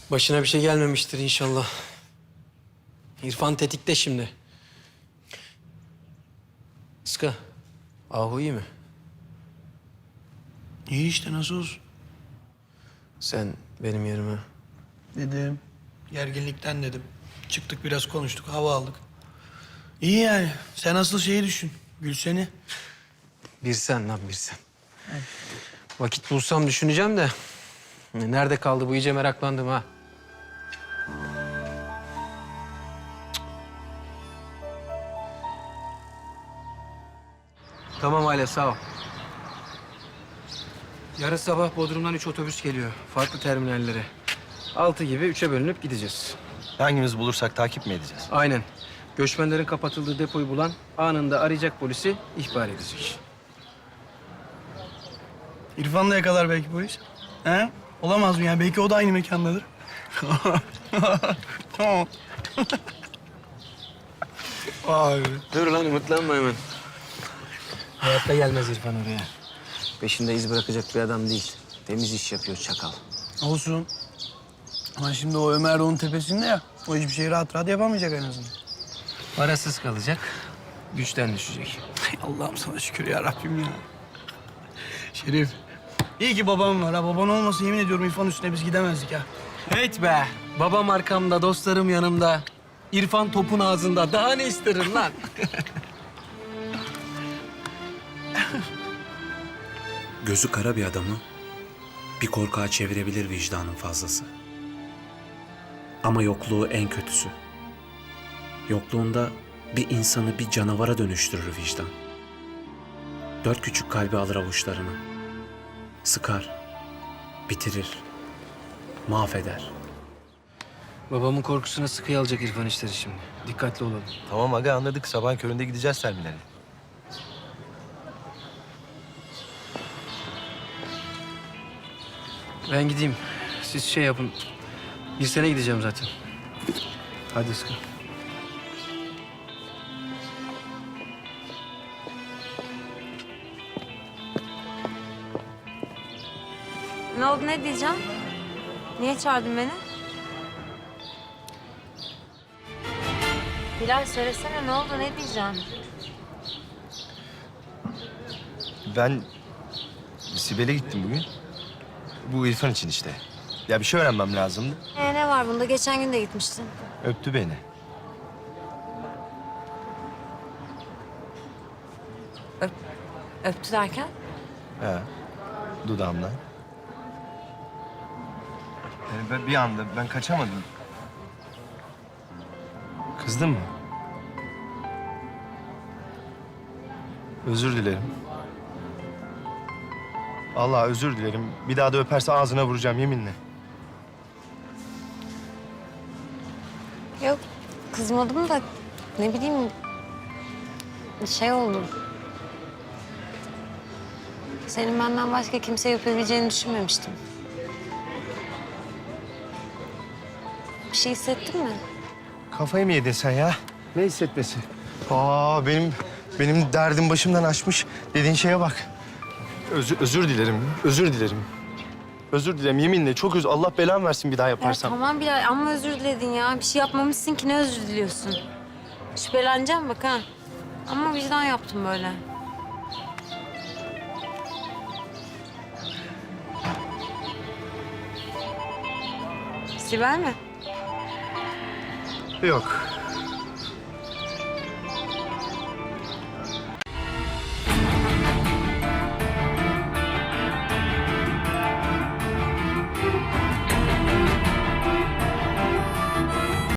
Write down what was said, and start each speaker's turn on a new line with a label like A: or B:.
A: Başına bir şey gelmemiştir inşallah. İrfan tetikte şimdi. Iska, Ahu iyi mi?
B: İyi işte, nasıl olsun?
A: Sen benim yerime.
B: Dedim. Gerginlikten dedim. Çıktık biraz konuştuk, hava aldık. İyi yani. Sen asıl şeyi düşün. Gülsen'i.
A: Bir sen lan bir sen. Vakit bulsam düşüneceğim de. Nerede kaldı bu, iyice meraklandım ha. Tamam aile, sağ ol. Yarın sabah Bodrum'dan 3 otobüs geliyor. Farklı terminallere. 6 gibi 3'e bölünüp gideceğiz.
C: Hangimizi bulursak takip mi edeceğiz?
A: Aynen. Göçmenlerin kapatıldığı depoyu bulan anında arayacak, polisi ihbar edecek.
B: İrfan da yakalar belki polis. He? Olamaz mı ya? Belki o da aynı mekandadır. Tamam. Vay be.
A: Dur lan, umutlanma hemen. Hayatta gelmez İrfan oraya. Peşinde iz bırakacak bir adam değil. Temiz iş yapıyor çakal.
B: Olsun. Ama şimdi o Ömer de onun tepesinde ya. O hiçbir şeyi rahat rahat yapamayacak en azından.
A: Parasız kalacak, güçten düşecek.
B: Ay Allah'ım sana şükür ya Rabbim ya. Şerif. İyi ki babam var ha. Baban olmasa yemin ediyorum İrfan üstüne biz gidemezdik ha.
A: Evet be. Babam arkamda, dostlarım yanımda. İrfan topun ağzında. Daha ne isterim lan?
D: Gözü kara bir adamı bir korkağa çevirebilir vicdanın fazlası. Ama yokluğu en kötüsü. Yokluğunda bir insanı bir canavara dönüştürür vicdan. 4 küçük kalbi alır avuçlarına. Sıkar, bitirir, mahveder.
A: Babamın korkusuna sıkıya alacak İrfan işleri şimdi. Dikkatli olalım.
C: Tamam aga, anladık. Sabahın köründe gideceğiz terminale.
A: Ben gideyim. Siz şey yapın. Bir sene gideceğim zaten. Hadi Iska.
E: Ne oldu, ne diyeceğim? Niye çağırdın beni? Bilal söylesene, ne oldu, ne diyeceğim?
C: Ben Sibel'e gittim bugün. Bu İrfan için işte. Ya bir şey öğrenmem lazımdı.
E: Ne var bunda? Geçen gün de gitmiştin.
C: Öptü beni.
E: Öptü derken?
C: He. Dudağımdan. Yani ben bir anda ben kaçamadım. Kızdın mı? Özür dilerim. Allah özür dilerim. Bir daha da öperse ağzına vuracağım yeminle.
E: Yok, kızmadım da ne bileyim şey oldu. Senin benden başka kimse yapabileceğini düşünmemiştim. Bir şey hissettin mi?
C: Kafayı mı yedin sen ya? Ne hissetmesi? Benim derdim başımdan aşmış. Dediğin şeye bak. Özür dilerim. Özür dilerim. Özür dilerim yeminle. Çok Allah belamı versin bir daha
E: Ya
C: yaparsam.
E: tamam Bilal, amma özür diledin ya. Bir şey yapmamışsın ki, ne özür diliyorsun? Şüpheleneceğim bak ha. Ama vicdan yaptım böyle. Sibel mi?
C: Yok.